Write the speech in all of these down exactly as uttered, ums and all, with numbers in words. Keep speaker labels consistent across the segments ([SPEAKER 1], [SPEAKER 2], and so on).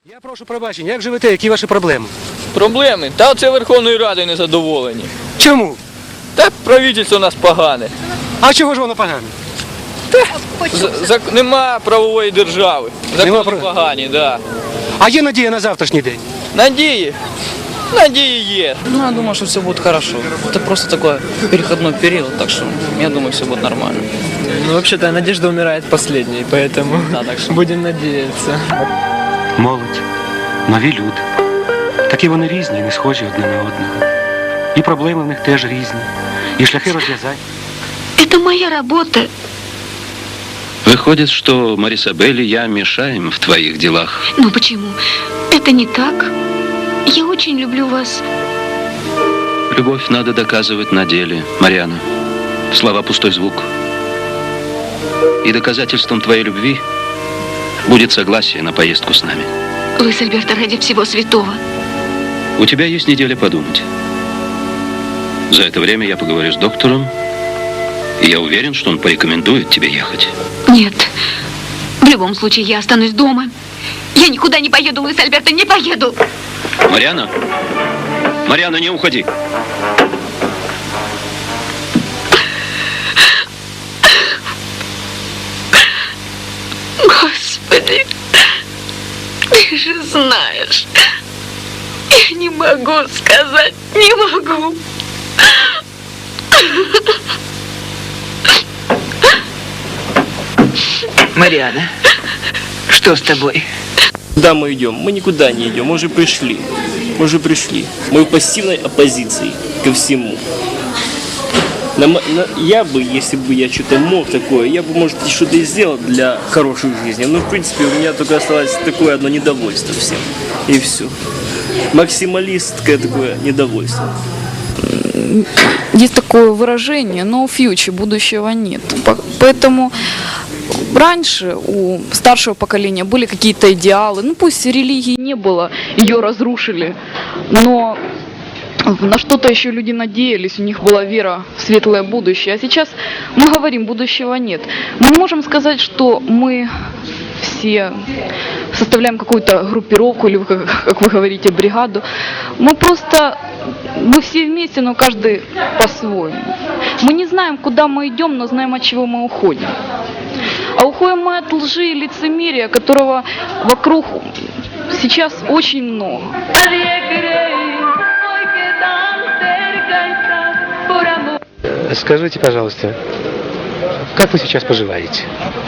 [SPEAKER 1] Я прошу пробачення, як живете, які ваші проблеми?
[SPEAKER 2] Проблеми? Та оце Верховною Радою не задоволені.
[SPEAKER 1] Чому?
[SPEAKER 2] Та правительство у нас погане.
[SPEAKER 1] А чого ж воно погане?
[SPEAKER 2] З- зак- Нема правової держави.
[SPEAKER 1] Нема
[SPEAKER 2] Закони
[SPEAKER 1] прав-
[SPEAKER 2] погані, да.
[SPEAKER 1] А є надія на завтрашній день?
[SPEAKER 2] Надії? Надії є.
[SPEAKER 3] Ну, я думаю, что все будет хорошо. Это просто такой переходной период, так что я думаю, все будет нормально.
[SPEAKER 4] Ну, вообще-то надежда умирает последней, поэтому
[SPEAKER 3] Да, так что...
[SPEAKER 4] будем надеяться.
[SPEAKER 1] Молодь, нові люди. Такі вони різні, не схожі одне на одного. І проблеми в них теж різні. І шляхи розв'язань.
[SPEAKER 5] Это моя работа.
[SPEAKER 6] Выходит, что Марисабель и я мешаем в твоих делах.
[SPEAKER 5] Но почему? Это не так. Я очень люблю вас.
[SPEAKER 6] Любовь надо доказывать на деле, Мариана. Слова — пустой звук. И доказательством твоей любви будет согласие на поездку с нами.
[SPEAKER 5] Луис Альберто, ради всего святого.
[SPEAKER 6] У тебя есть неделя подумать. За это время я поговорю с доктором, и я уверен, что он порекомендует тебе ехать.
[SPEAKER 5] Нет. В любом случае, я останусь дома. Я никуда не поеду, Луис Альберто, не поеду.
[SPEAKER 6] Мариана? Мариана, не уходи.
[SPEAKER 5] Господи, ты же знаешь. Я не могу сказать, не могу.
[SPEAKER 7] Мариана, что с тобой?
[SPEAKER 8] Куда мы идем? Мы никуда не идем, мы уже пришли. Мы уже пришли. Мы в пассивной оппозиции ко всему. На, мо- на- я бы, если бы я что-то мог такое, я бы, может, и что-то и сделал для хорошей жизни. Но, в принципе, у меня только осталось такое одно недовольство всем. И все. Максималистское такое недовольство.
[SPEAKER 9] Есть такое выражение no future, будущего нет. По- Поэтому раньше у старшего поколения были какие-то идеалы. Ну пусть религии не было, ее разрушили, но на что-то еще люди надеялись, у них была вера в светлое будущее. А сейчас мы говорим, будущего нет. Мы не можем сказать, что мы все составляем какую-то группировку, или, как как вы говорите, бригаду. Мы просто, мы все вместе, но каждый по-своему. Мы не знаем, куда мы идем, но знаем, от чего мы уходим. А уходим мы от лжи и лицемерия, которого вокруг сейчас очень много.
[SPEAKER 1] Скажите, пожалуйста, как вы сейчас поживаете?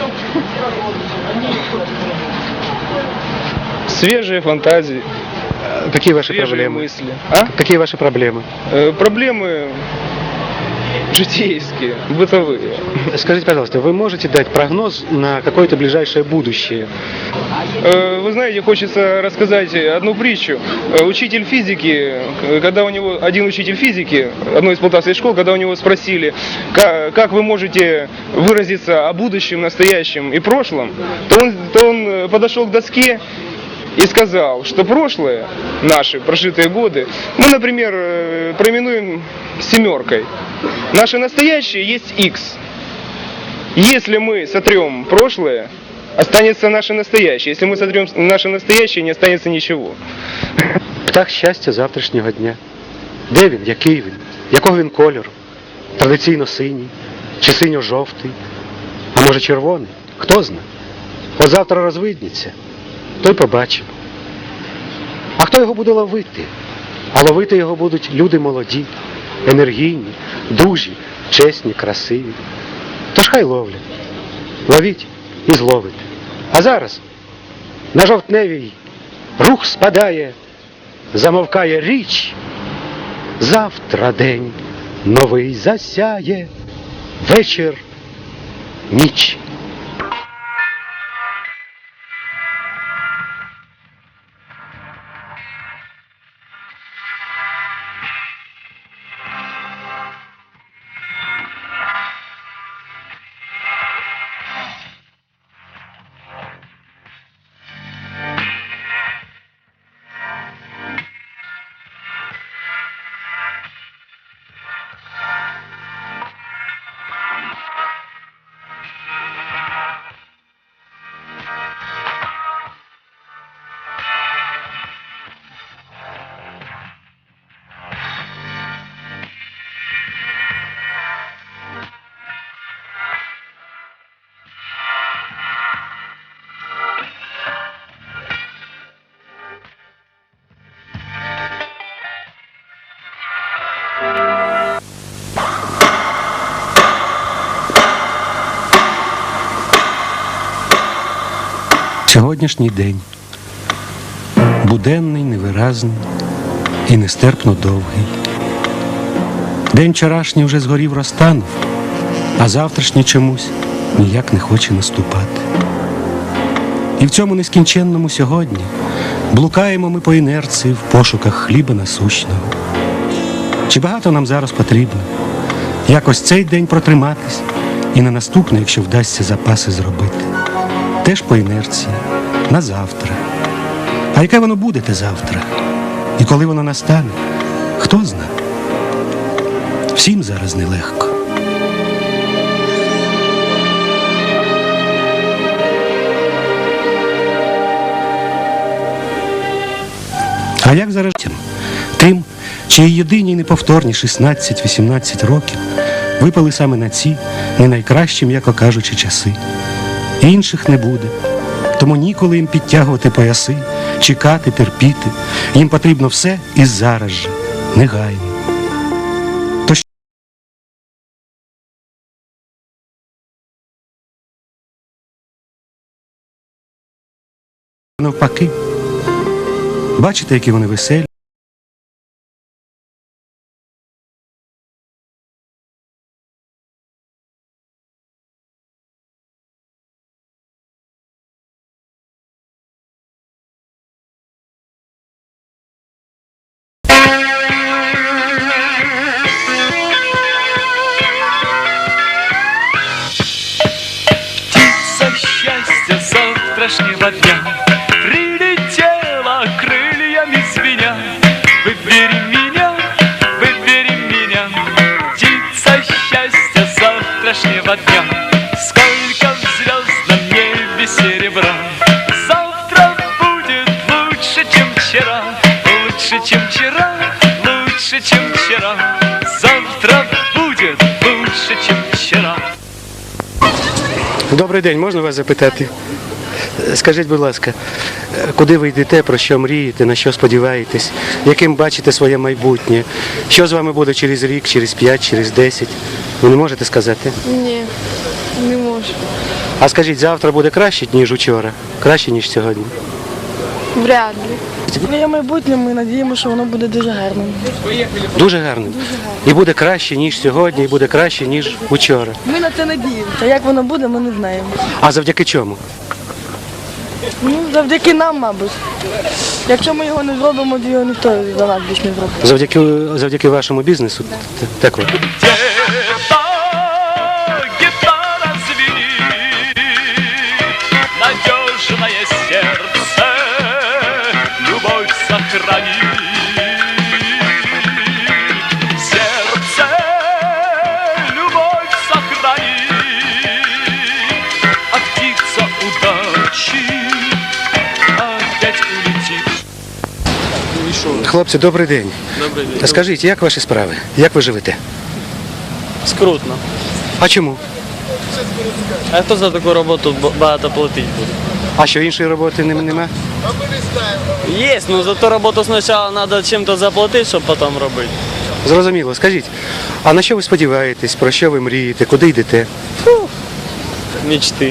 [SPEAKER 4] Свежие фантазии,
[SPEAKER 1] Какие ваши
[SPEAKER 4] свежие
[SPEAKER 1] проблемы?
[SPEAKER 4] мысли. А?
[SPEAKER 1] Какие ваши проблемы?
[SPEAKER 4] Э, проблемы житейские, бытовые.
[SPEAKER 1] Скажите, пожалуйста, вы можете дать прогноз на какое-то ближайшее будущее?
[SPEAKER 4] Э, Вы знаете, хочется рассказать одну притчу. Э, Учитель физики, э, когда у него, один учитель физики, одной из полтавских школ, когда у него спросили, как, как вы можете выразиться о будущем, настоящем и прошлом, то он, то он э, подошел к доске и сказал, что прошлое, наши прожитые годы, мы, например, э, проименуем семеркой. Наше настоящее есть X. Если мы сотрем прошлое, останется наше настоящее. Если мы сотрем наше настоящее, не останется ничего.
[SPEAKER 1] Птах щастя завтрашнього дня. Де він? Який він? Якого він кольору? Традиційно синій? Чи синьо-жовтий? А може червоний? Хто знає? От завтра розвидніться, то й побачимо. А хто його буде ловити? А ловити його будуть люди молоді, енергійні, дужі, чесні, красиві. Тож хай ловлять. Ловіть і зловите. А зараз на жовтневій рух спадає, замовкає річ. Завтра день новий засяє, вечір, ніч. Сьогоднішній день буденний, невиразний і нестерпно довгий. День вчорашній вже згорів, розтанув, а завтрашній чомусь ніяк не хоче наступати. І в цьому нескінченному сьогодні блукаємо ми по інерції в пошуках хліба насущного. Чи багато нам зараз потрібно якось цей день протриматись і на наступний, якщо вдасться, запаси зробити? Теж по інерції, на завтра. А яке воно буде те завтра? І коли воно настане, хто знає? Всім зараз нелегко. А як зараз тим, чиї єдині й неповторні шістнадцять-вісімнадцять років випали саме на ці не найкращі, м'яко кажучи, часи? Інших не буде, тому ніколи їм підтягувати пояси, чекати, терпіти. Їм потрібно все і зараз же, негайно. То що навпаки? Бачите, які вони веселі?
[SPEAKER 10] Птица счастья завтрашнего дня прилетела крыльями звеня. Выбери меня, выбери меня, птица счастья завтрашнего дня. Сколько в звездном небе серебра, завтра будет лучше, чем вчера. Лучше, чем вчера, лучше, чем вчера. Завтра будет лучше, чем вчера.
[SPEAKER 1] Добрий день, можна вас запитати? Скажіть, будь ласка, куди ви йдете, про що мрієте, на що сподіваєтесь, яким бачите своє майбутнє? Що з вами буде через рік, через п'ять, через десять? Ви не можете сказати?
[SPEAKER 11] Ні, не можу.
[SPEAKER 1] А скажіть, завтра буде краще, ніж учора? Краще, ніж сьогодні?
[SPEAKER 11] Вряд ли. Своє майбутнє ми надіємося, що воно буде дуже гарним.
[SPEAKER 1] Дуже гарним? І буде краще, ніж сьогодні, і буде краще, ніж учора.
[SPEAKER 11] Ми на це надіємося. Як воно буде, ми не знаємо.
[SPEAKER 1] А завдяки чому?
[SPEAKER 11] Ну, завдяки нам, мабуть. Якщо ми його не зробимо, то його ніхто за нас більш не зробить.
[SPEAKER 1] Завдяки, завдяки вашому бізнесу? Так от.
[SPEAKER 10] Гитара звенит, надежное сердце, любовь сохрани. Сердце, любовь сохрани, а птица удачи опять улетит.
[SPEAKER 1] Хлопці, добрий день.
[SPEAKER 8] Добрий день.
[SPEAKER 1] Та скажіть, як ваші справи? Як ви живете?
[SPEAKER 8] Скрутно.
[SPEAKER 1] А чому?
[SPEAKER 8] А хто за таку роботу багато платить буде?
[SPEAKER 1] А що, іншої роботи нем- нема?
[SPEAKER 8] Є, ну за ту роботу спочатку треба чим-то заплатити, щоб потім робити.
[SPEAKER 1] Зрозуміло. Скажіть, а на що ви сподіваєтесь, про що ви мрієте, куди йдете?
[SPEAKER 8] Мечти.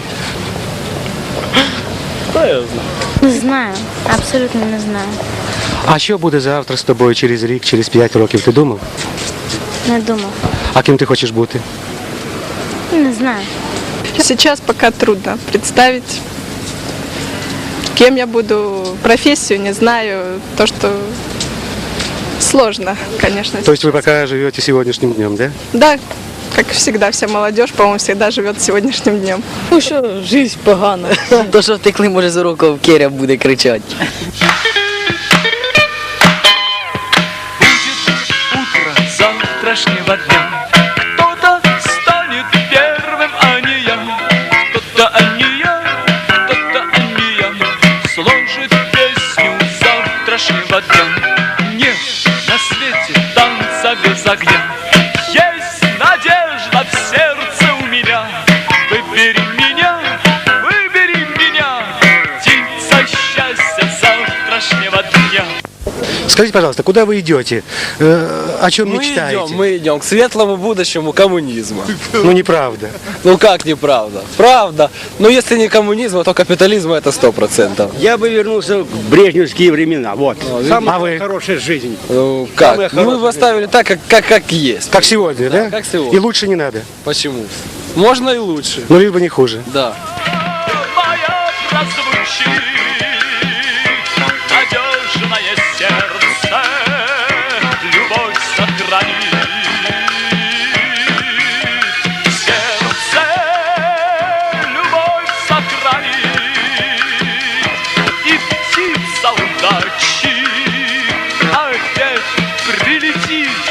[SPEAKER 8] Хто я знаю?
[SPEAKER 12] Не знаю, абсолютно не знаю.
[SPEAKER 1] А що буде завтра з тобою через рік, через п'ять років? Ти думав?
[SPEAKER 12] Не думав.
[SPEAKER 1] А ким ти хочеш бути?
[SPEAKER 12] Не знаю.
[SPEAKER 11] Сейчас пока трудно представить, кем я буду, профессию не знаю, то, что сложно, конечно.
[SPEAKER 1] То есть вы пока живете сегодняшним днем, да?
[SPEAKER 11] Да, как всегда, вся молодежь, по-моему, всегда живет сегодняшним днем.
[SPEAKER 3] Ну що, життя погана. То, що втекли, може, з уроків Керя буде кричати.
[SPEAKER 10] Утро завтрашнего дня. Кто-то станет первым, а не я. Кто-то, а не я, кто-то, а не я, сложит песню завтрашнего дня. Нет на свете танца без огня. Есть надежда в сердце у меня. Выбери меня, выбери меня, птица счастья завтрашнего дня.
[SPEAKER 1] Скажите, пожалуйста, куда вы идете? Э, о чем
[SPEAKER 13] Мы
[SPEAKER 1] мечтаете?
[SPEAKER 13] идем, мы идем к светлому будущему коммунизма.
[SPEAKER 1] Ну, неправда.
[SPEAKER 13] Ну как неправда? Правда. Но если не коммунизм, то капитализм это сто процентов.
[SPEAKER 14] Я бы вернулся в брежневские времена. Вот. Самая
[SPEAKER 1] А вы?
[SPEAKER 14] хорошая жизнь.
[SPEAKER 13] Ну как?
[SPEAKER 14] Самая
[SPEAKER 13] Мы
[SPEAKER 14] хорошая
[SPEAKER 13] бы оставили так, как, как, как есть.
[SPEAKER 1] Как сегодня, да?
[SPEAKER 13] Как сегодня.
[SPEAKER 1] И лучше не надо.
[SPEAKER 13] Почему? Можно и лучше.
[SPEAKER 1] Ну, лишь бы не хуже.
[SPEAKER 13] Да.
[SPEAKER 10] Моя прозвучит надежное сердце, любовь сохранит. Сердце любовь сохранит, и птица удачи опять прилетит.